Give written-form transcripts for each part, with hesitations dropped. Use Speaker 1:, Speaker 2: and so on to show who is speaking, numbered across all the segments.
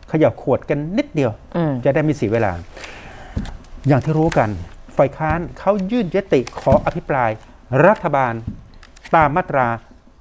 Speaker 1: ขยับขวดกันนิดเดียวจะได้ไม่เสียเวลาอย่างที่รู้กันฝ่ายค้านเขายื่นยติขออภิปรายรัฐบาลตามมาตรา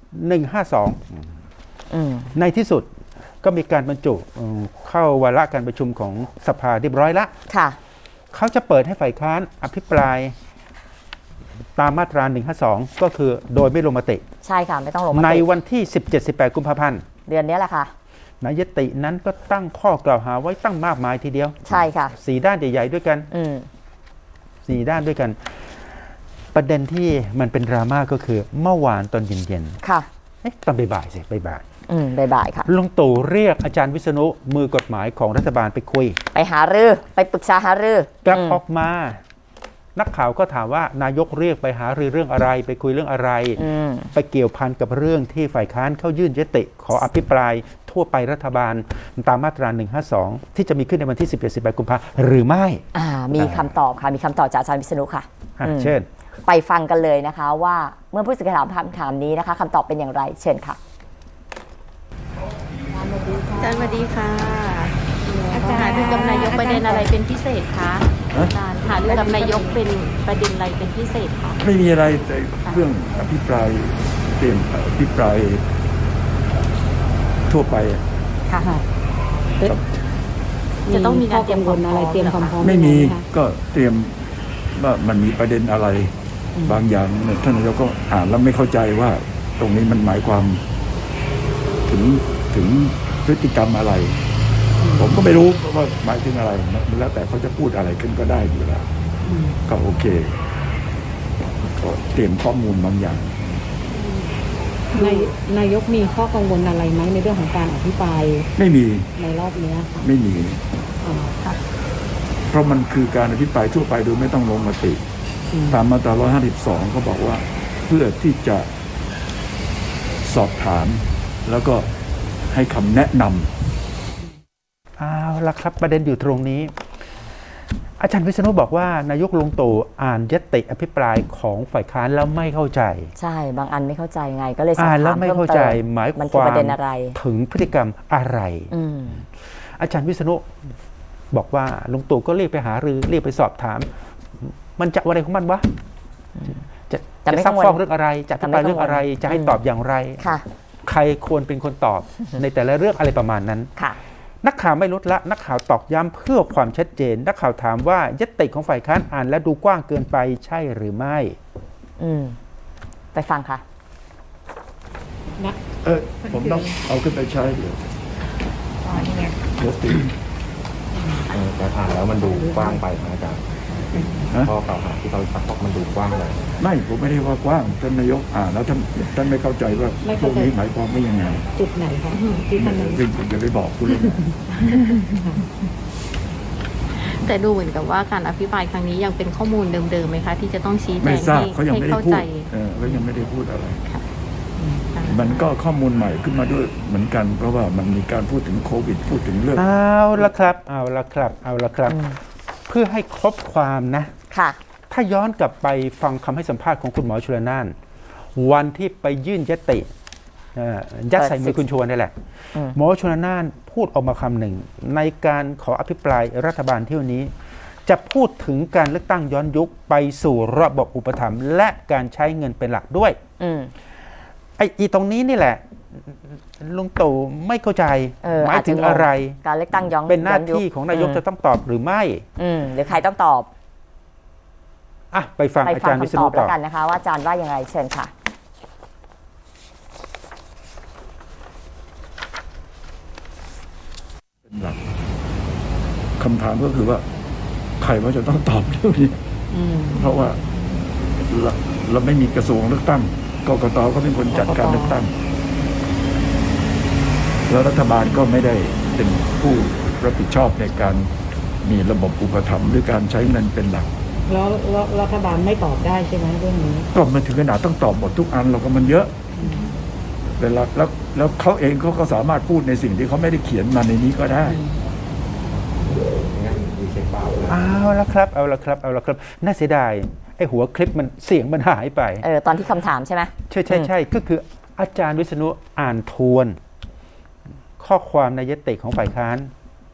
Speaker 1: 152ในที่สุดก็มีการบรรจุเข้าวาระการประชุมของสภาเรียบร้อยละเขาจะเปิดให้ฝ่ายค้านอภิปรายตามมาตรา152ก็คือโดยไม่ลงมติ
Speaker 2: ใช่ค่ะไม่ต้องลงมติ
Speaker 1: ในวันที่17-18 กุมภาพันธ์
Speaker 2: เดือนนี้แหละค่ะ
Speaker 1: ในยตินั้นก็ตั้งข้อกล่าวหาไว้ตั้งมากมายทีเดียว
Speaker 2: ใช่ค่ะ
Speaker 1: 4 ด้านใหญ่ๆด้วยกัน4 ด้านด้วยกันประเด็นที่มันเป็นดราม่าก็คือเมื่อวานตอนเย็น
Speaker 2: ๆค่ะ
Speaker 1: ตอนบ่ายๆสิบ่าย
Speaker 2: ๆค่ะ
Speaker 1: ลุงตู่เรียกอาจารย์วิษณุมือกฎหมายของรัฐบาลไปคุย
Speaker 2: ไปหารือไปปรึกษาหารือก
Speaker 1: ลับออกมานักข่าวก็ถามว่านายกเรียกไปหารือเรื่องอะไรไปคุยเรื่องอะไรไปเกี่ยวพันกับเรื่องที่ฝ่ายค้านเข้ายื่นยติขออภิปรายทั่วไปรัฐบาลตามมาตรา152ที่จะมีขึ้นในวันที่17-18 กุมภาพันธ์หรือไม่
Speaker 2: มีคำตอบค่ะมีคำตอบจากอาจารย์วิษณุค่ะ
Speaker 1: เช่น
Speaker 2: ไปฟังกันเลยนะคะว่าเมื่อผู้สื่อข่าวถามคำถามนี้นะคะคำตอบเป็นอย่างไรเชิญค่ะ
Speaker 3: อาจารย์สวัสดีค่ะอาจารย์หารือกับนายกประเด็นอะไรเป็นพิเศษคะอาจารย์หารือกับนายกเป็นประเด็นอะไรเป็นพิเศษคะ
Speaker 4: ไม่มีอะไรแต่เรื่องอภิปรายเตรียมอภิปรายทั่วไป
Speaker 2: ค่ะ
Speaker 3: จะต้องมีการเตรียมความอะไรเตรียมความพร้อม
Speaker 4: ไม่มีก็เตรียมว่ามันมีประเด็นอะไรบางอย่างท่านนายกก็อ่านแล้วไม่เข้าใจว่าตรงนี้มันหมายความถึงพฤติกรรมอะไรผมก็ไม่รู้ว่าหมายถึงอะไรแล้วแต่เขาจะพูดอะไรขึ้นก็ได้อยู่แล้วก็โอเคก็เตรียมข้อมูลบางอย่าง
Speaker 3: นายกมีข้อกังวลอะไรไหมในเรื่องของการอภิปราย
Speaker 4: ไม่มี
Speaker 3: ในรอบนี้ค่ะ
Speaker 4: ไม่มีเพราะมันคือการอภิปรายทั่วไปโดยไม่ต้องลงมติตามมาตรา152เขาบอกว่าเพื่อที่จะสอบถามแล้วก็ให้คำแนะน
Speaker 1: ำเอาละครับประเด็นอยู่ตรงนี้อาจารย์วิษณุบอกว่านายกลุงตู่อ่านยติอภิปรายของฝ่ายค้านแล้วไม่เข้าใจ
Speaker 2: ใช่บางอันไม่เข้าใจไงก็เลยสอบถาม
Speaker 1: แล้วไม่เข้าใจหมายความถึงพฤติกรรมอะไรอาจารย์วิษณุบอกว่าลุงตู่ก็เรียกไปหารือเรียกไปสอบถามมันจะอะไรของมันวะจะซักฟอกเรื่องอะไรจะอภิปรายเรื่องอะไรจะให้ตอบอย่างไรใครควรเป็นคนตอบในแต่ละเรื่องอะไรประมาณนั้นนักข่าวไม่ลดละนักข่าวตอกย้ำเพื่อความชัดเจนนักข่าวถามว่ายติของฝ่ายค้านอ่านและดูกว้างเกินไปใช่หรือไม่
Speaker 2: ไปฟังค่ะ
Speaker 4: ผมต้องเอาขึ้นไปใช้เดี๋ยว
Speaker 5: แต่อ่านแล้วมันดูกว้างไปนะอาจารย์ข้อกล่าวหาที่เราซักฟอกมันดูกว้างเลย
Speaker 4: ไม่ผมไม่ได้ว่ากว้างท่านนายกอ่านแล้วท่านไม่เข้าใจว่าพวกนี้หมายความว่ายังไง
Speaker 3: จุดไหนคะที่ท่าน
Speaker 4: อย่าไปบอกคุณเลย
Speaker 3: แต่ดูเหมือนกับว่าการอภิปรายครั้งนี้ยังเป็นข้อมูลเดิมๆไหมคะที่จะต้องชี้แจง
Speaker 4: ให้เข้าใจเขายังไม่ได้พูดอะไรมันก็ข้อมูลใหม่ขึ้นมาด้วยเหมือนกันเพราะว่ามันมีการพูดถึงโควิดพูดถึงเรื่อง
Speaker 1: เอาละครับเพื่อให้ครบความนะถ้าย้อนกลับไปฟังคำให้สัมภาษณ์ของคุณหมอชลน่านวันที่ไปยื่นยติยัดใส่มือคุณชวนนี่แหละหมอชลน่านพูดออกมาคำหนึ่งในการขออภิปรายรัฐบาลเที่ยวนี้จะพูดถึงการเลือกตั้งย้อนยุคไปสู่ระบบอุปถัมภ์และการใช้เงินเป็นหลักด้วยไอ้ตรงนี้นี่แหละลุงตู่ไม่เข้าใจหมายถึงอะไร
Speaker 2: การเลือกตั้งย้อน
Speaker 1: เป็นหน้าที่ของนายกจะต้องตอบหรือไม่
Speaker 2: หรือใครต้องตอบ
Speaker 1: ไปฟังอาจารย์วิษณุตอบ
Speaker 2: แล้วกันนะคะว่าอาจารย์ว่ายังไงเชิญค่ะ
Speaker 4: เป็นหลักคำถามก็คือว่าใครว่าจะต้องตอบเรื่องนี้เพราะว่าเราไม่มีกระทรวงเลือกตั้งกกต.ก็เป็นคนจัดการเลือกตั้งแล้วรัฐบาลก็ไม่ได้เป็นผู้รับผิดชอบในการมีระบบอุปถัมภ์หรือการใช้เงินเป็นหลัก
Speaker 3: แล้วรัฐบาลไม่ตอบได้ใช่ไหมเรื่องนี้
Speaker 4: ก็มันถึงขนาดต้องตอบหมดทุกอันเราก็มันเยอะเวลาแล้วเขาเองเขาก็สามารถพูดในสิ่งที่เขาไม่ได้เขียนมาในนี้ก็ได้
Speaker 1: เอาละครับน่าเสียดายไอ้หัวคลิปมันเสียงมันหายไป
Speaker 2: ตอนที่คำถามใช่ไหม
Speaker 1: ใช่ก็คืออาจารย์วิษณุอ่านทวนข้อความในยติของฝ่ายค้าน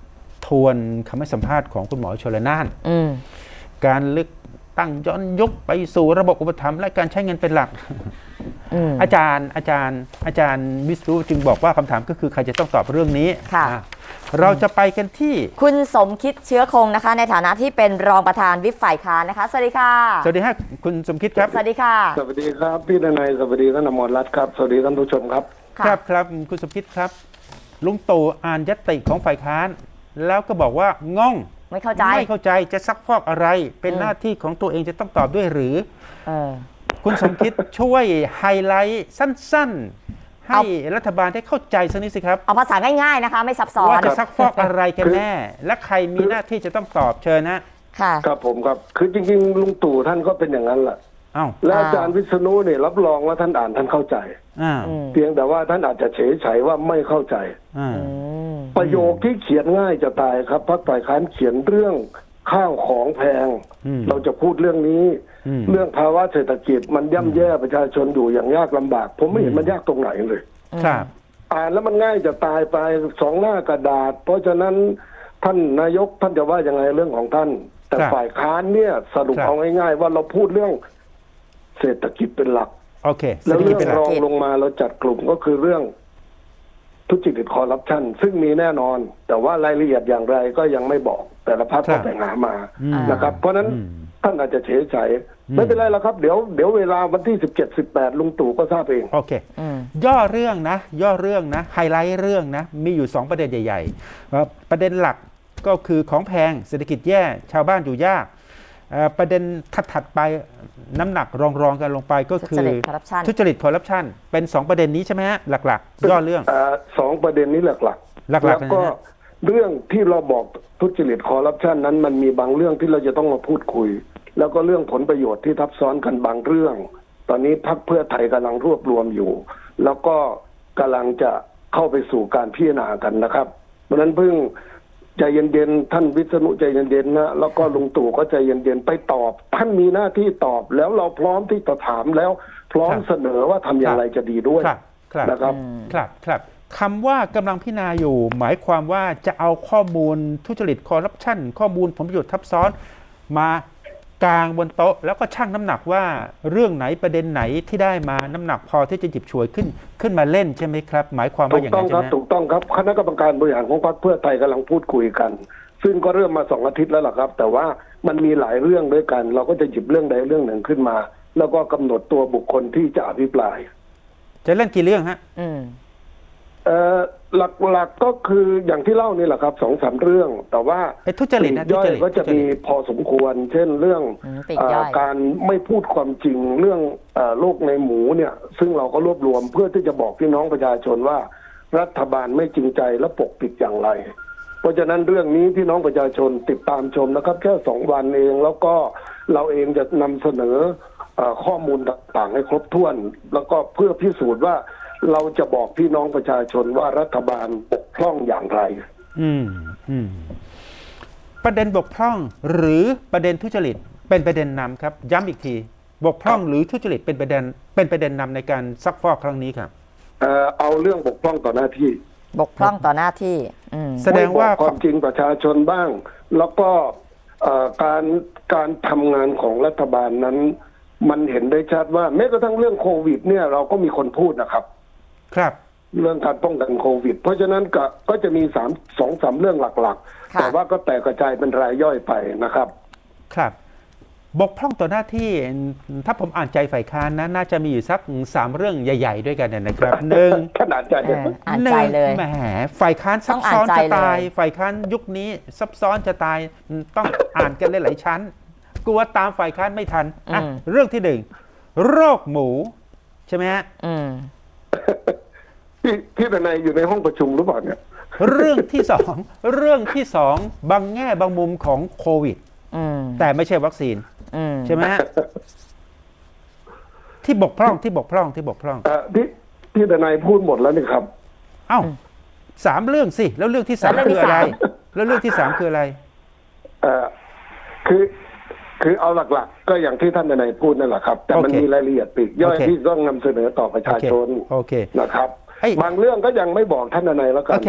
Speaker 1: ทวนคำให้สัมภาษณ์ของคุณหมอชลน่าน การเลือกตั้งย้อนยุคไปสู่ระบบอุปถัมภ์และการใช้เงินเป็นหลัก อาจารย์วิศรุจึงบอกว่าคำถามก็คือใครจะต้องตอบเรื่องนี้
Speaker 2: ค่ะ
Speaker 1: เราจะไปกันที่
Speaker 2: คุณสมคิดเชื้อคงนะคะ ในฐานะที่เป็นรองประธานวิปฝ่ายค้านนะคะ สวัสดีค่ะ
Speaker 1: สวัสดีครับคุณสมคิดครับ
Speaker 2: สวัสดีค่ะ
Speaker 6: สวัสดีครับพี่ดนัยสวัสดีท่านอมรรัตน์ครับสวัสดีท่านผู้ชมครับ
Speaker 1: ครับคุณสมคิดครับลุงตู่อ่านญัตติของฝ่ายค้าน แล้วก็บอกว่างง
Speaker 2: ไม่เข้าใจ
Speaker 1: ไม่เข้าใจจะซักฟอกอะไร เป็นหน้าที่ของตัวเองจะต้องตอบด้วยหรือ คุณสมคิดช่วยไฮไลท์สั้นๆ ให้รัฐบาลได้เข้าใจสักนิดสิครับ
Speaker 2: เอาภาษาง่ายๆนะคะ ไม่ซับซ้อน
Speaker 1: ว่าจะซักฟอกอะไรกันแน่ และใครมีหน้าที่จะต้องตอบเชิญนะ
Speaker 2: ค่ะ
Speaker 6: ครับผมครับคือจริงๆลุงตู่ท่านก็เป็นอย่างนั้นแหละ
Speaker 1: อ้าว
Speaker 6: และอาจารย์วิษณุเนี่ยรับรองว่าท่านอ่านท่านเข้าใจ
Speaker 1: อ้าว
Speaker 6: เพียงแต่ว่าท่านอาจจะเฉยๆว่าไม่เข้าใจ
Speaker 1: อ้าว
Speaker 6: ประโยคที่เขียนง่ายจะตายครับพรรคฝ่ายค้านเขียนเรื่องข้าวของแพง เราจะพูดเรื่องนี้ เรื่องภาวะเศรษฐกิจมันย่ำแย่ประชาชนอยู่อย่างยากลำบาก ผมไม่เห็นมันยากตรงไหนเลย
Speaker 1: ครับ
Speaker 6: อ่านแล้วมันง่ายจะตายไป2 หน้ากระดาษ เพราะฉะนั้นท่านนายกท่านจะว่ายังไงเรื่องของท่าน แต่ฝ่ายค้านเนี่ยสรุปเอาง่ายๆว่าเราพูดเรื่องเศรษฐกิจเป็นหลัก
Speaker 1: โอเค
Speaker 6: แล้ว
Speaker 1: เศรษฐกิจ
Speaker 6: เรื่อ
Speaker 1: เป็นหลั
Speaker 6: งร
Speaker 1: ก
Speaker 6: องลงมาเราจัดกลุ่มก็คือเรื่องทุจริตคอร์รัปชันซึ่งมีแน่นอน แต่ว่ารายละเอียดอย่างไรก็ยังไม่บอก แต่ละพรรคก็ไปหามานะครับ เพราะฉะนั้นท่านอาจจะเฉยใจไม่เป็นไรแล้วครับ เดี๋ยวเวลาวันที่17-18ลุงตู่ก็ทราบเอง
Speaker 1: โอเค ย่อเรื่องนะไฮไลท์เรื่องนะมีอยู่2ประเด็นใหญ่ๆประเด็นหลักก็คือของแพงเศรษฐกิจแย่ชาวบ้านอยู่ยากประเด็นถัดไปน้ำหนักรองกันลงไปก็คือทุจริตคอร์รัปชันเป็น2ประเด็นนี้ใช่ไหมฮะหลักๆย่อเรื่อง
Speaker 6: 2 ประเด็นนี้หลักๆแล้วก็เรื่องที่เราบอกทุจริตคอร์รัปชันนั้นมันมีบางเรื่องที่เราจะต้องมาพูดคุยแล้วก็เรื่องผลประโยชน์ที่ทับซ้อนกันบางเรื่อง ตอนนี้พรรคเพื่อไทยกำลังรวบรวมอยู่แล้วก็กำลังจะเข้าไปสู่การพิจารณากันนะครับเพราะฉะนั้นเพิ่งใจเย็นๆท่านวิษณุใจเย็นๆนะแล้วก็ลุงตู่ก็ใจเย็นๆไปตอบท่านมีหน้าที่ตอบแล้วเราพร้อมที่จะถามแล้วพร้อมเสนอว่าทำอย่างไรจะดีด้วยนะครับ
Speaker 1: ครับคำว่ากำลังพิจารณาอยู่หมายความว่าจะเอาข้อมูลทุจริตคอร์รัปชันข้อมูลผลประโยชน์ทับซ้อนมากางบนโต๊ะแล้วก็ชั่งน้ำหนักว่าเรื่องไหนประเด็นไหนที่ได้มาน้ำหนักพอที่จะหยิบฉวยขึ้นมาเล่นใช่ไหมครับหมายความว่าอย่างนั้นใช่ไหม
Speaker 6: ถูกต้องครับคณะกรรมการบริหารของพรรคเพื่อไทยกำลังพูดคุยกันซึ่งก็เริ่มมา2 อาทิตย์แล้วล่ะครับแต่ว่ามันมีหลายเรื่องด้วยกันเราก็จะหยิบเรื่องใดเรื่องหนึ่งขึ้นมาแล้วก็กำหนดตัวบุคคลที่จะอภิปราย
Speaker 1: จะเล่นกี่เรื่องฮะ
Speaker 6: หลักๆก็คืออย่างที่เล่านี่แหละครับ2-3 เรื่องแต่ว่า
Speaker 1: ทุจริตนะ
Speaker 6: ย่อยก็จะมีพอสมควรเช่นเรื่องการไม่พูดความจริงเรื่องโรคในหมูเนี่ยซึ่งเราก็รวบรวมเพื่อที่จะบอกพี่น้องประชาชนว่ารัฐบาลไม่จริงใจและปกปิดอย่างไรเพราะฉะนั้นเรื่องนี้พี่น้องประชาชนติดตามชมนะครับแค่2 วันเองแล้วก็เราเองจะนำเสนอข้อมูลต่างๆให้ครบถ้วนแล้วก็เพื่อพิสูจน์ว่าเราจะบอกพี่น้องประชาชนว่ารัฐบาลบกพร่องอย่างไร
Speaker 1: ประเด็นบกพร่องหรือประเด็นทุจริตเป็นประเด็นนำครับย้ำอีกทีบกพร่องหรือทุจริตเป็นประเด็นนำในการซักฟอกครั้งนี้ครับ
Speaker 6: เอาเรื่องบกพร่องต่อหน้าที่
Speaker 2: บกพร่องต่อหน้าที่
Speaker 1: แสดงว่า
Speaker 6: ความจริงประชาชนบ้างแล้วก็การทำงานของรัฐบาลนั้นมันเห็นได้ชัดว่าแม้กระทั่งเรื่องโควิดเนี่ยเราก็มีคนพูดนะครับ
Speaker 1: ครับ
Speaker 6: เรื่องการป้องกันโควิดเพราะฉะนั้นก็จะมี2-3 เรื่องหลักๆแต่ว่าก็แตกกระจายเป็นรายย่อยไปนะครับ
Speaker 1: ครับบกพร่องต่อหน้าที่ถ้าผมอ่านใจฝ่ายค้านนะน่าจะมีอยู่สัก3 เรื่องใหญ่ๆด้วยกันนะครับ
Speaker 6: ขนาดใจ
Speaker 2: เลย
Speaker 1: แหมฝ่ายค้านซับซ้อนจะตายฝ่ายค้านยุคนี้ซับซ้อนจะตายต้องอ่านกันหลายๆชั้นกลัวตามฝ่ายค้านไม่ทันเรื่องที่1โรคหมูใช่ไหมฮะ
Speaker 6: พี่เป็นนายอยู่ในห้องประชุมหรือเปล่าเนี่ย
Speaker 1: เรื่องที่2บางแง่บางมุมของโควิดแต่ไม่ใช่วัคซีนใช่ไหมฮะที่บกพร่องพี่
Speaker 6: เป็นนายพูดหมดแล้วนี่ครับ
Speaker 1: 3 เรื่องสิแล้วเรื่องที่3คืออะไรแล้วเรื่องที่3คืออะไร
Speaker 6: คือเอาหลักๆก็อย่างที่ท่านนายพูดนั่นแหละครับแต่มันมีรายละเอียดปลีกย่อยที่ต้องนำเสนอต่อประชาชนนะครับบางเรื่องก็ยังไม่บอกท่านนายแล้วกัน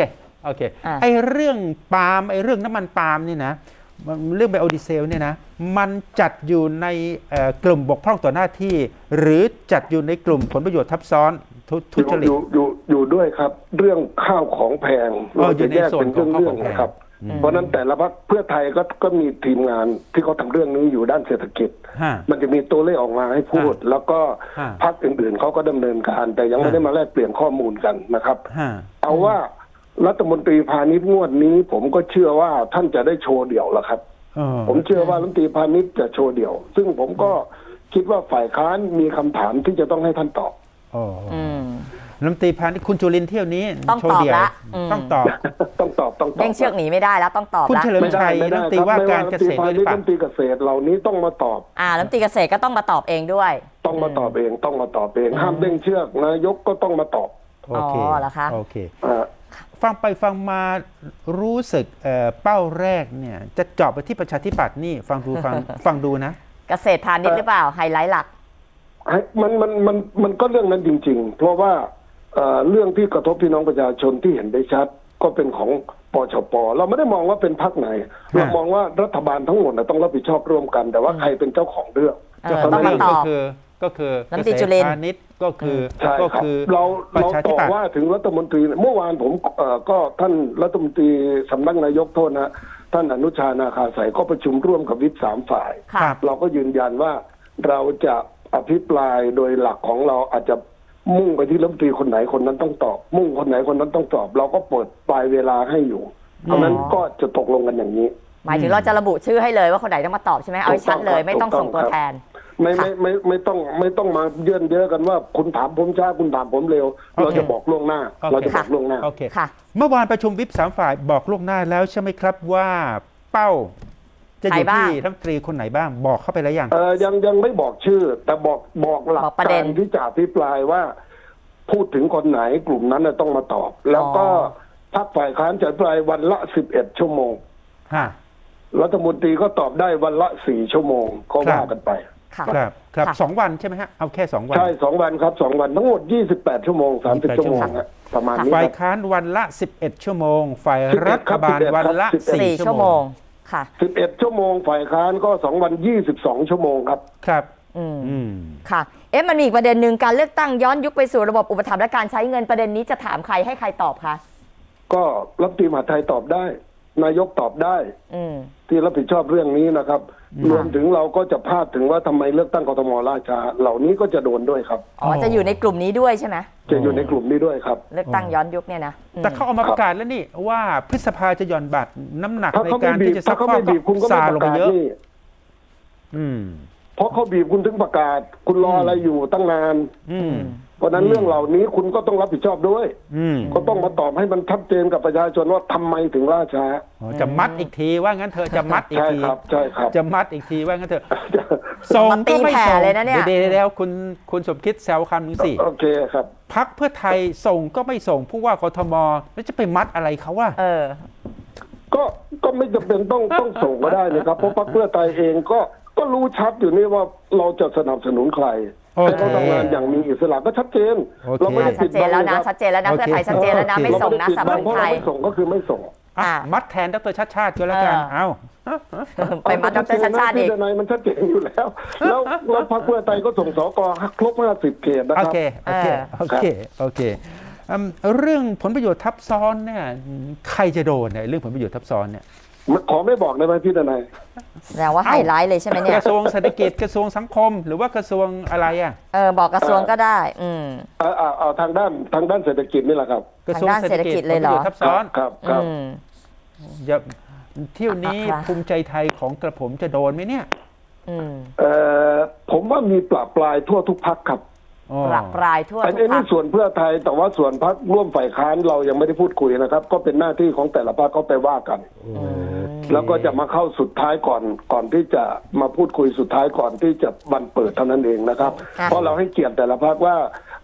Speaker 1: โอเค
Speaker 2: อ่ะ
Speaker 1: ไอ้เรื่องปาล์มไอ้เรื่องน้ำมันปาล์มนี่นะเรื่องไบโอดีเซลเนี่ยนะมันจัดอยู่ในกลุ่มบกพร่องต่อหน้าที่ หรือจัดอยู่ในกลุ่มผลประโยชน์ทับซ้อนทุจริต
Speaker 6: อยู่ด้วยครับ เรื่องข้าวของแพงเราจะแยกเป็นเรื่องๆนะครับ เพราะนั้นแต่ละพรรคเพื่อไทยก็มีทีมงานที่เขาทำเรื่องนี้อยู่ด้านเศรษฐกิจ
Speaker 1: ฮะ
Speaker 6: มันจะมีตัวเลขออกมาให้พูด แล้วก็
Speaker 1: ฮะ
Speaker 6: พรรคอื่นๆเขาก็ดำเนินการ แต่ยังไม่
Speaker 1: ฮะ
Speaker 6: ได้มาแลกเปลี่ยนข้อมูลกันนะครับ
Speaker 1: ฮะ
Speaker 6: เอาว่ารัฐมนตรีพาณิชย์งวดนี้ ผมก็เชื่อว่าท่านจะได้โชว์เดี่ยวแล้วครับ ผมเชื่อว่ารัฐมนตรีพาณิชย์จะโชว์เดี่ยว ซึ่งผมก็คิดว่าฝ่ายค้านมีคำถามที่จะต้องให้ท่านตอบ
Speaker 1: อ๋อ
Speaker 2: อืม
Speaker 1: รัฐมนตรีพาณิชย์คุณจุลินทร์เที่ยวนี้
Speaker 2: ต้อง
Speaker 1: โชว์เดี่ยว
Speaker 2: ตอบละอืม
Speaker 1: ต้องตอบ
Speaker 6: ต้องตอบ
Speaker 2: เด้งเชือกหนีไม่ได้แล้วต้องตอบ
Speaker 1: คุณ
Speaker 2: ละ
Speaker 1: เฉลิม
Speaker 6: ไม่ได้
Speaker 1: ชัย
Speaker 6: ไม่
Speaker 1: รัฐ
Speaker 6: ได้
Speaker 1: มนตรี
Speaker 6: ครับ
Speaker 1: ว่า
Speaker 6: ไม่
Speaker 1: การ
Speaker 6: ว่า
Speaker 1: เก
Speaker 6: รัฐมนต
Speaker 1: ษ
Speaker 6: รี
Speaker 1: ตร
Speaker 6: พา
Speaker 1: ด้วยห
Speaker 6: ณิ
Speaker 1: รือเปล่า
Speaker 6: ชย์รัฐมนตรีเกษตรเหล่านี้ต้องมาตอบ
Speaker 2: รัฐมนตรีเกษตรก็ต้องมาตอบเองด้วย
Speaker 6: ต้องมาตอบเองต้องมาตอบเองห้ามเด้งเชือกนายกก็ต้องมาตอบ
Speaker 1: โอเค
Speaker 2: อ๋อเหรอคะ
Speaker 1: โอเค
Speaker 6: อ่า
Speaker 1: ฟังไปฟังมารู้สึกเป้าแรกเนี่ยจะเจาะไปที่ประชาธิปัตย์นี่ฟังดูนะ
Speaker 2: เกษตรพาณิชย์หรือเปล่าไฮไลท์หลัก
Speaker 6: มันก็เรื่องนั้นจริง ๆ เพราะว่าเรื่องที่กระทบพี่น้องประชาชนที่เห็นได้ชัดก็เป็นของปชป.เราไม่ได้มองว่าเป็นพรรคไหน เรามองว่ารัฐบาลทั้งหมดต้องรับผิดชอบร่วมกัน แต่ว่าใครเป็นเจ้าของเรื่อง
Speaker 2: เออต้องมาตอบ
Speaker 1: ก็คือ
Speaker 2: รัฐมนตรีจุลินทร์
Speaker 1: พาณิชย์ก็คือ
Speaker 6: ใช่
Speaker 1: ก็
Speaker 6: ครับ
Speaker 1: คือ
Speaker 6: เรา
Speaker 1: ประชาธิ
Speaker 6: ต่อ
Speaker 1: ปัตย์
Speaker 6: ว่าถึงรัฐมนตรีเมื่อวานผมก็ท่านรัฐมนตรีสำนักนายกโทษนะท่านอนุชานาคาสายก็ประชุมร่วมกับวิป3 ฝ่าย
Speaker 2: ค่ะ
Speaker 1: ครับ
Speaker 6: เราก็ยืนยันว่าเราจะอภิปรายโดยหลักของเราอาจจะมุ่งไปที่รัฐมนตรีคนไหนคนนั้นต้องตอบ มุ่งคนไหนคนนั้นต้องตอบ เราก็เปิดปลายเวลาให้อยู่ เพราะฉะนั้นก็จะตกลงกันอย่างนี้
Speaker 2: หมายถึงเราจะระบุชื่อให้เลยว่าคนไหนต้องมาตอบใช่ไหมเอาให้ชัดเลยไม่ต้องส่งตัวแทน
Speaker 6: ไม่ต้องมาเยื่นเยอะกันว่าคุณถามผมช้าคุณถามผมเร็ว เราจะบอกล่วงหน้า
Speaker 1: โอเค
Speaker 6: เราจะบอกล่วงหน้า
Speaker 1: โอเค
Speaker 2: ค่ะ
Speaker 1: เมื่อวานประชุมวิป3 ฝ่ายบอกล่วงหน้าแล้วใช่ไหมครับว่าเป้าจะอยู่
Speaker 2: ใครบ้าง
Speaker 1: ที่รัฐมนตรีคนไหนบ้างบอกเข้าไปแล้วยัง
Speaker 6: ยังไม่บอกชื่อ แต่บอกหลัก
Speaker 2: บอกประเด็
Speaker 6: กาน รที่จะอภิปรายว่า พูดถึงคนไหนกลุ่มนั้นต้องมาตอบ แล้วก็พรรคฝ่ายค้านจะอภิปรายวันละ11 ชั่วโมง
Speaker 1: ฮะ
Speaker 6: รัฐมนตรีก็ตอบได้วันละ4 ชั่วโมงก็ว่ากันไป
Speaker 2: ค่ะ
Speaker 1: ครับ
Speaker 2: ค่ะ
Speaker 1: 2 วันใช่ไหมฮะเอาแค่2 วัน
Speaker 6: ใช่2 วันครับ2 วันทั้งหมด28 ชั่วโมง30 ชั่วโมงนะประมาณนี้
Speaker 1: ฝ่าย
Speaker 6: ครับ
Speaker 1: ค้านวันละ11 ชั่วโมง ฝ่าย
Speaker 6: 11
Speaker 1: รัฐบาล
Speaker 6: ครับ
Speaker 1: วันละ
Speaker 6: 11
Speaker 2: 4
Speaker 1: 4 ชั่
Speaker 2: ชั่
Speaker 1: ว
Speaker 2: ว
Speaker 1: โม
Speaker 2: โม
Speaker 1: ง
Speaker 2: งค่ะ
Speaker 6: 11 ชั่วโมงฝ่ายค้านก็2 วัน22 ชั่วโมงครับ
Speaker 1: ครับ
Speaker 2: อืม
Speaker 1: อืม
Speaker 2: ค่ะ มันมีอีกประเด็นหนึ่งการเลือกตั้งย้อนยุคไปสู่ระบบอุปถัมภ์และการใช้เงินประเด็นนี้จะถามใครให้ใครตอบคะ
Speaker 6: ก็รัฐมนตรีมหาดไทยตอบได้ นายกตอบได้
Speaker 2: อืม
Speaker 6: ที่รับผิดชอบเรื่องนี้นะครับ รวมถึงเราก็จะพาดถึงว่าทำไมเลือกตั้งกทมล่าช้าเหล่านี้ก็จะโดนด้วยครับ
Speaker 2: อ๋อจะอยู่ในกลุ่มนี้ด้วยใช่ไหม
Speaker 6: จะอยู่ในกลุ่มนี้ด้วยครับ
Speaker 2: เลือกตั้งย้อนยุคเนี่ยนะอืม
Speaker 1: แต่เขาเอามาประกาศแล้วนี่ว่าพฤษภาจะหย่อนบัตรน้ำหนัก
Speaker 6: ถ้า
Speaker 1: ใน
Speaker 6: เขา
Speaker 1: กา
Speaker 6: ไม่
Speaker 1: ร
Speaker 6: บี
Speaker 1: ที่
Speaker 6: บ
Speaker 1: จะซั
Speaker 6: ถ้าก เขา
Speaker 1: ฟอก
Speaker 6: ไม่บีบคุณก็
Speaker 1: ซา
Speaker 6: ไม่
Speaker 1: ล
Speaker 6: ป
Speaker 1: ง
Speaker 6: ระ
Speaker 1: ไป
Speaker 6: กาศ
Speaker 1: เยอะ
Speaker 6: นี่
Speaker 1: อืม
Speaker 6: เพราะเขาบีบคุณถึงประกาศ คุณรออะไรอยู่ตั้งนาน
Speaker 1: อืม
Speaker 6: เพราะฉะนั้นเรื่องเหล่านี้คุณก็ต้องรับผิดชอบด้วย
Speaker 1: อืม
Speaker 6: ก็ต้องมาตอบให้มันชัดเจนกับประชาชนว่าทำไมถึงล่าช้า
Speaker 1: อ๋อจะมัดอีกทีว่างั้นเถอะจะมัดอีก
Speaker 6: ใช่
Speaker 1: ที
Speaker 6: ครับใช่ครับ
Speaker 1: จะมัดอีกทีว่างั้นเถอะส่งก็ไม่
Speaker 2: มาตีแผ่
Speaker 1: ส่ง
Speaker 2: เลยนะเนี่ย
Speaker 1: เดี๋ยวคุณสมคิดแซวคำหนึ่งสิ
Speaker 6: โอเคครับ
Speaker 1: พักเพื่อไทยส่งก็ไม่ส่งผู้ว่ากทมแล้วจะไปมัดอะไรเขาว่า
Speaker 6: ก็ไม่จำเป็นต้องส่งก็ได้นะครับเพราะพรรคเพื่อไทยเองก็รู้ชัดอยู่นี่ว่าเราจะสนับสนุนใคร
Speaker 1: โอเค
Speaker 6: ให้เขาทำงานอย่างมีอิสระก็ชัดเจน
Speaker 1: โอเค
Speaker 6: เราไม่ได้
Speaker 2: ชั
Speaker 6: ปิ
Speaker 2: ด
Speaker 6: ด
Speaker 2: เจ
Speaker 6: บั
Speaker 2: น
Speaker 6: ง
Speaker 2: แล้วนะ
Speaker 6: ครับ
Speaker 2: ชัดเจนแล้วนะ
Speaker 1: โอเค
Speaker 2: เพื่อไทยชัดเจนแล้วนะ
Speaker 1: โอเค
Speaker 2: ไม่ส่งนะ
Speaker 6: เรา
Speaker 2: สำหรับ
Speaker 6: ไม่
Speaker 2: ไท
Speaker 6: ได้
Speaker 2: ย
Speaker 6: ปิดบังเพราะเราไม่ส่งก็คือไม่ส่ง
Speaker 2: อ่ะ
Speaker 1: มัดแทนดรชัดชาติก็แล้วกัน เอ้า
Speaker 2: ไปมัดดรชัดชาติอีก
Speaker 6: ที่นายมันชัดเจนอยู่แล้ว แล้วพรรคเพื่อไทยก็ส่งสกครบ50 เขตนะ
Speaker 1: โอ
Speaker 6: ครับ
Speaker 1: เค โอเค โอเค โอเคเรื่องผลประโยชน์ทับซ้อนเนี่ยใครจะโดนเนี่ยเรื่องผลประโยชน์ทับซ้อนเนี่ย
Speaker 6: ขอไม่บอกได้ไหมพี่ทนาย
Speaker 2: แสดงว่าไฮไลท์เลยใช่ไหมเนี่
Speaker 1: ก
Speaker 2: ย
Speaker 1: ระทรวงเศรษฐกิจกระทรวงสังคม หรือว่ากระทรวงอะไรอ่ะ
Speaker 2: บอกกระทรวงก็ได้
Speaker 6: เอาทางด้านเศรษฐกิจนี่แหละครับ
Speaker 1: กระทรวงเศรษฐกิจ
Speaker 2: ทางด้านเศรษฐกิจเลยเหรอ
Speaker 1: ผประโชน์ทับซ้อน
Speaker 6: ครับครับ
Speaker 1: อย่าเที่ยวนี้
Speaker 2: ครับ
Speaker 1: ภูมิใจไทยของกระผมจะโดนไหมเนี่ย
Speaker 6: ผมว่ามีปราบปลายทั่วทุกพรรคครับ
Speaker 1: อ๋อ
Speaker 2: ปรับปลายทั่ว
Speaker 6: อัน
Speaker 2: ทุก
Speaker 6: นี้
Speaker 2: ภาค
Speaker 6: ส่วนเพื่อไทยแต่ว่าส่วนพรรคร่วมฝ่ายค้านเรายังไม่ได้พูดคุยนะครับ ก็เป็นหน้าที่ของแต่ละพรรคเขาไปว่ากัน แล้วก็จะมาเข้าสุดท้ายก่อนที่จะมาพูดคุยสุดท้ายก่อนที่จะบันเปิดเท่านั้นเองนะครับ เพราะเราให้เกียรติแต่ละพรรคว่า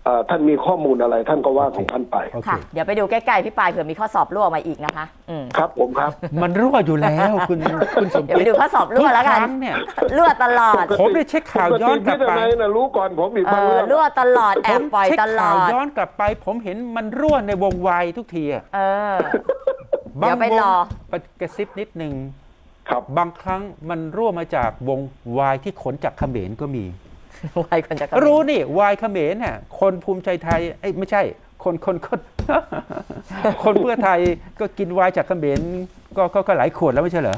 Speaker 6: ท่านมีข้อมูลอะไรท่านก็ว่าของท่านไป
Speaker 1: โอเค
Speaker 2: ค่ะ เดี๋ยวไปดูใกล้ๆพี่ปายเผื่อมีข้อสอบรั่วมาอีกนะคะ
Speaker 6: ครับผมครับ
Speaker 1: มันรั่วอยู่แล้วคุณสม
Speaker 2: เดี๋ยว
Speaker 1: คิ
Speaker 2: ไป
Speaker 1: ด
Speaker 2: ดูข้อสอบรั่วแล้วกัน
Speaker 1: ทุครั้งเนี่ย
Speaker 2: รั่วตลอด
Speaker 1: ผมได้เช็คข่าวย้อนกลับไป
Speaker 6: ปกติพี่ทนายน่ะรู้ก่อนผมอีกบางเรื่อง
Speaker 2: รั่วตลอดแอบปล่อย
Speaker 1: เช็ค
Speaker 2: ตล
Speaker 1: ข่า
Speaker 2: อ
Speaker 1: ว
Speaker 2: ด
Speaker 1: ย้อนกลับไป ผมเห็นมันรั่วในวงวายทุกทีอะ
Speaker 2: เออ เดี๋ยวไปรอ
Speaker 1: กระซิบนิดนึง
Speaker 6: ครับ
Speaker 1: บางครั้งมันรั่วมาจากวงวายที่ขนจากเขมรก็มี
Speaker 2: ไว้คนจะกระ
Speaker 1: รู้นี่วายเขมรน่ะคนภูมิใจไทยเอ้ยไม่ใช่ คน คนเพื่อไทยก็กินวายจากเขมรก็หลายขวดแล้วไม่ใช่เหรอ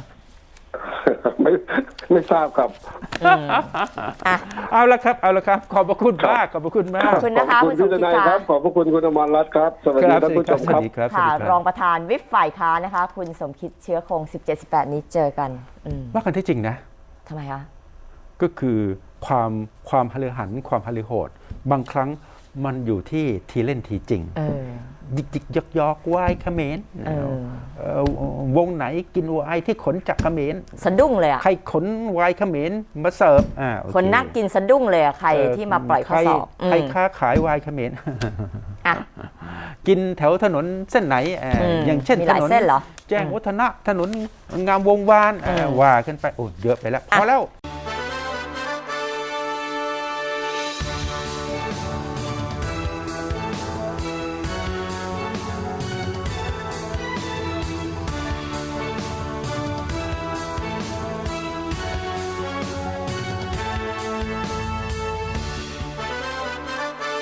Speaker 6: ไม่ทราบครับ
Speaker 1: เอาละครับ ขอบพระคุณมากขอบพระคุณมาก
Speaker 2: ขอบคุณนะคะ
Speaker 6: ขอบ
Speaker 2: คุณ
Speaker 6: คุณ
Speaker 2: สม
Speaker 6: พี่ท
Speaker 2: คิด
Speaker 6: นายค
Speaker 2: ค่ะ
Speaker 6: รับขอบพระคุณคุณอมรรัตน์ครับสวัสดีท่านผู้ชม
Speaker 1: ส
Speaker 6: ค
Speaker 1: วั
Speaker 6: รั
Speaker 1: ส
Speaker 6: บ
Speaker 1: ดีครับ
Speaker 2: ค่ะ
Speaker 1: สวัสดีค
Speaker 2: ร
Speaker 1: รั
Speaker 2: อบ งประธานวิปฝ่ายค้านนะคะ คุณสมคิดเชื้อคง 17-18 นี้เจอกัน
Speaker 1: ว่ากันที่จริงนะ
Speaker 2: ทำไมคะ
Speaker 1: ก็คือความฮะลือหันความฮะลือโหด บางครั้งมันอยู่ที่ทีเล่นทีจริง ยิกยอกวายเขมรวงไหนกินวายที่ขนจากเขมร
Speaker 2: สะดุ้งเลยอ่ะ
Speaker 1: ใครขนวายเขมรมาเสิร์ฟโอเ
Speaker 2: คนนักกินสะดุ้งเลยอ่ะใครที่มาปล่อยข้อสอบ
Speaker 1: ใครค้าขายวายเขมร
Speaker 2: อ่ะ
Speaker 1: กินแถวถนนเส้นไหนอย่างเช่น
Speaker 2: มีห
Speaker 1: ถ
Speaker 2: ลาย
Speaker 1: นน
Speaker 2: เส้นเหรอ
Speaker 1: แจ้งวัฒนะถนนงามวงวานว่าขึ้นไปโอ้เยอะไปแล้วพอแล้ว